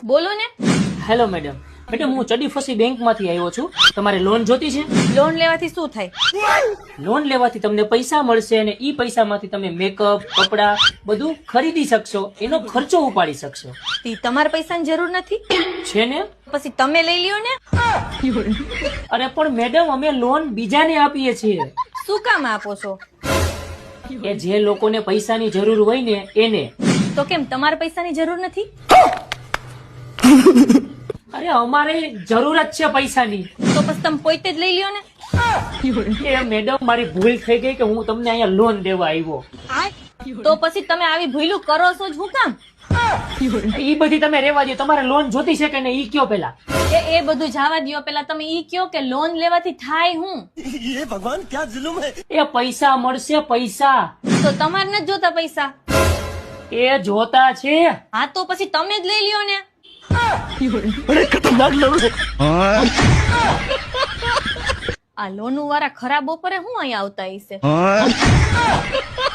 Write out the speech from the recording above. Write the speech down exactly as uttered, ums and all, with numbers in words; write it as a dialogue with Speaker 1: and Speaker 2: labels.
Speaker 1: બોલો ને.
Speaker 2: Hello madam. Madam હું ચડી ફસી બેંક માંથી આવ્યો છું. તમારે લોન જોતી છે?
Speaker 1: લોન લેવાથી શું થાય?
Speaker 2: લોન લેવાથી તમને પૈસા મળશે અને ઈ પૈસામાંથી તમે મેકઅપ, કપડા બધું ખરીદી શકશો, એનો ખર્ચો ઉપાડી શકશો.
Speaker 1: તી તમારે પૈસાની જરૂર નથી
Speaker 2: છે ને?
Speaker 1: પછી તમે લઈ લ્યો ને.
Speaker 2: અરે પણ મેડમ અમે લોન બીજાને આપીએ છીએ.
Speaker 1: શું કામ આપો છો?
Speaker 2: એ જે લોકોને પૈસાની જરૂર હોય ને એને.
Speaker 1: તો કેમ તમારે પૈસાની જરૂર નથી?
Speaker 2: અરે અમારે જરૂર જ છે પૈસાની.
Speaker 1: તો પછી તમે પોતે જ લઈ લ્યો ને.
Speaker 2: એ મેડમ મારી ભૂલ થઈ ગઈ કે હું તમને અહીંયા લોન દેવા આવ્યો.
Speaker 1: તો પછી તમે આવી ભૂલું કરો છો જ હું કામ?
Speaker 2: ઈ બધી તમે રેવા દો. તમારે લોન જોતી છે કે નહીં ઈ કયો પેલા.
Speaker 1: એ એ બધું જવા દ્યો. પેલા તમે ઈ કયો કે લોન લેવાથી થાય હું?
Speaker 3: ये भगवान क्या जुल्म है।
Speaker 2: એ પૈસા મળશે પૈસા.
Speaker 1: તો તમારે નથી જોતા પૈસા?
Speaker 2: એ જોતા છે.
Speaker 1: હા તો પછી તમે જ લઈ લ્યો ને.
Speaker 3: बड़े खतरनाक लोग हैं।
Speaker 1: આ લોન વાળા ખરાબ બપોરે હું અહીંયા આવતા હશે.